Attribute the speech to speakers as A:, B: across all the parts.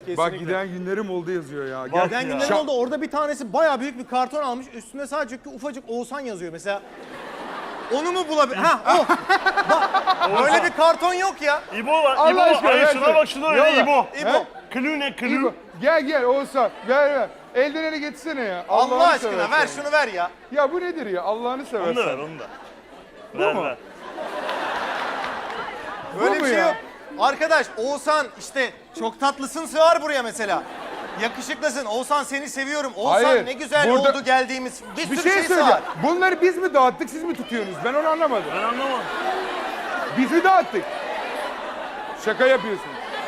A: Bak giden günlerim oldu yazıyor ya.
B: Giden günlerim oldu. Orada bir tanesi bayağı büyük bir karton almış. Üstünde sadece ufacık Oğuzhan yazıyor mesela. Onu mu bulabilir? Ha o. Bak, böyle bir karton yok ya.
C: İbo var.
A: Allah
C: İbo.
A: aşkına,
C: Hayır
A: ver
C: şuna
A: sen.
C: bak şuna öyle
A: Yolla.
C: İbo.
B: İbo.
C: Klü ne klü?
A: İbo, gel Oğuzhan ver. Elden ele getirsene ya.
B: Allah
A: Allah'ını
B: aşkına
A: seversen.
B: ver şunu ver ya.
A: Ya bu nedir ya Allah'ını
C: Onu da ver
A: seversen.
C: onu da.
A: Bu mu?
C: Ver.
B: Böyle
A: mu
B: bir şey
A: ya?
B: yok. Arkadaş Oğuzhan işte çok tatlısın sığar buraya mesela. Yakışıklısın. Oğuzhan seni seviyorum. Oğuzhan
A: Hayır,
B: ne güzel
A: burada-
B: oldu geldiğimiz. Bir
A: Bir
B: sürü
A: şey
B: şey
A: söyleyeceğim.
B: sığar.
A: Bunları biz mi dağıttık siz mi tutuyorsunuz? Ben onu anlamadım.
C: Ben anlamadım.
A: Biz mi dağıttık? Şaka yapıyorsun.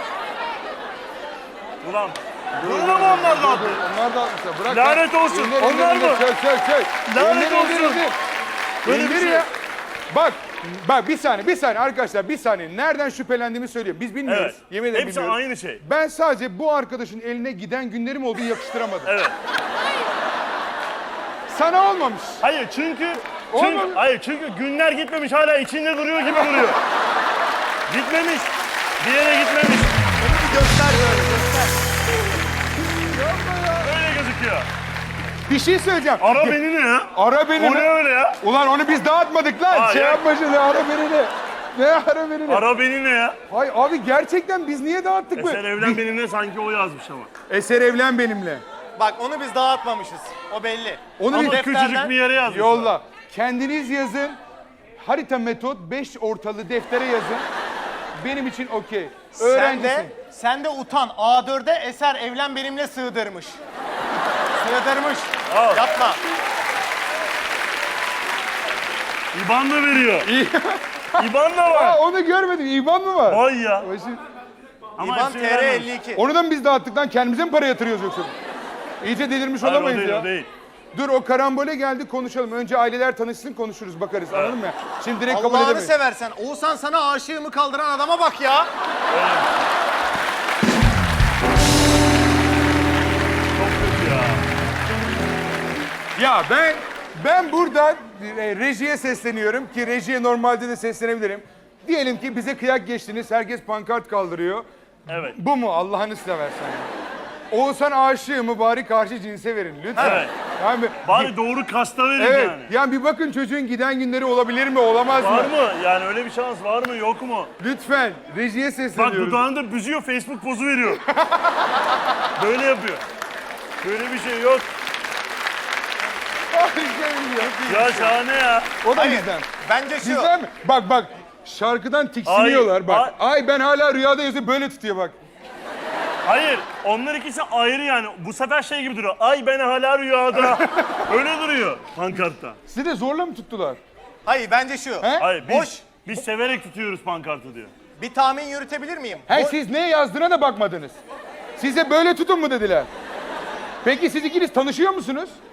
C: Ulan. Bunu da mı onlar da attı?
A: Onlar dağıtmışlar. Bırak.
C: Lanet olsun.
A: İndir,
C: Onlar
A: indir,
C: mı?
A: indir. Çök.
C: Lanet
A: İndir,
C: olsun. Böyle bir
A: İndir
C: şey.
A: ya. Bak bir saniye arkadaşlar bir saniye. Nereden şüphelendiğimi söyleyeyim. Biz bilmiyoruz.
C: Evet.
A: Yemin ederim
C: Hepsi
A: bilmiyoruz.
C: aynı şey.
A: Ben sadece bu arkadaşın eline giden günlerim olduğu yakıştıramadım.
C: Evet.
A: Sana olmamış.
C: Hayır çünkü
A: Olmadı.
C: çünkü günler gitmemiş hala içinde duruyor gibi duruyor. Gitmemiş. Bir yere gitmemiş.
B: Onu bir göster böyle göster.
C: Öyle gözüküyor.
A: Bir şey söyleyeceğim.
C: Ara beni ne ya?
A: Ara beni
C: O ne
A: mi?
C: öyle ya?
A: Ulan onu biz dağıtmadık lan.
C: Aa,
A: Şey
C: ya.
A: yapma şimdi ara beni ne? Ne ara beni ne?
C: Ara beni ne ya?
A: Hay abi gerçekten biz niye dağıttık
C: Eser
A: bu?
C: evlen benimle sanki o yazmış ama.
A: Eser evlen benimle.
B: Bak onu biz dağıtmamışız. O belli.
A: Onu
C: Ama
A: bir
C: küçücük bir yere yazmış.
A: yolla. Kendiniz yazın. Harita metot 5 ortalı deftere yazın. Benim için okey. Öğrencisin.
B: Sen de utan. A4'e Eser evlen benimle sığdırmış. Sığdırmış.
C: Al.
B: Yapma.
C: İban da veriyor.
A: İyi.
C: İban da
A: Aa,
C: var.
A: onu görmedim. İban mı var?
C: Vay ya.
A: O işi-
C: Ama
B: İban
C: hepsini
B: TR
C: vermemiş.
B: 52.
A: Onu da mı biz dağıttık lan? Kendimize mi para yatırıyoruz yoksa? İyice delirmiş
C: Hayır, o
A: olamayız
C: değil,
A: ya.
C: o değil.
A: Dur o karambole geldi konuşalım. Önce aileler tanışsın konuşuruz bakarız anladın mı? Şimdi direkt kabul
B: Allah'ını
A: edemeyiz.
B: seversen. Oğuzhan sana aşığımı kaldıran adama bak ya.
C: Çok kötü ya.
A: Ya ben buradan rejiye sesleniyorum ki rejiye normalde de seslenebilirim. Diyelim ki bize kıyak geçtiniz. Herkes pankart kaldırıyor.
C: Evet.
A: Bu mu Allah'ını seversen ya? Oğuzhan aşığı mı bari karşı cinse verin lütfen.
C: Evet.
A: Yani,
C: Bari doğru kasta verin
A: evet.
C: yani.
A: Yani bir bakın çocuğun giden günleri olabilir mi olamaz
C: Var
A: mı?
C: mı? Yani öyle bir şans var mı yok mu?
A: Lütfen rejiye
C: Bak
A: sesleniyoruz.
C: dudağını da büzüyor, Facebook pozu veriyor. Böyle yapıyor. Böyle bir şey yok. Ya şahane ya.
A: O da
B: Hayır.
A: bizden.
B: Bence şu.
A: Bizden mi? Bak şarkıdan tiksiniyorlar bak. Ay ben hala rüyada yazıyor böyle tutuyor bak.
C: Hayır, onlar ikisi ayrı yani. Bu sefer şey gibi duruyor. Ay ben hala rüyada. Öyle duruyor pankartta.
A: Sizi de zorla mı tuttular?
B: Hayır bence şu.
A: He?
C: Hayır,
B: Boş.
C: biz severek tutuyoruz pankartı diyor.
B: Bir tahmin yürütebilir miyim?
A: He siz ne yazdığına da bakmadınız. Size böyle tutun mu dediler? Peki siz ikiniz tanışıyor musunuz?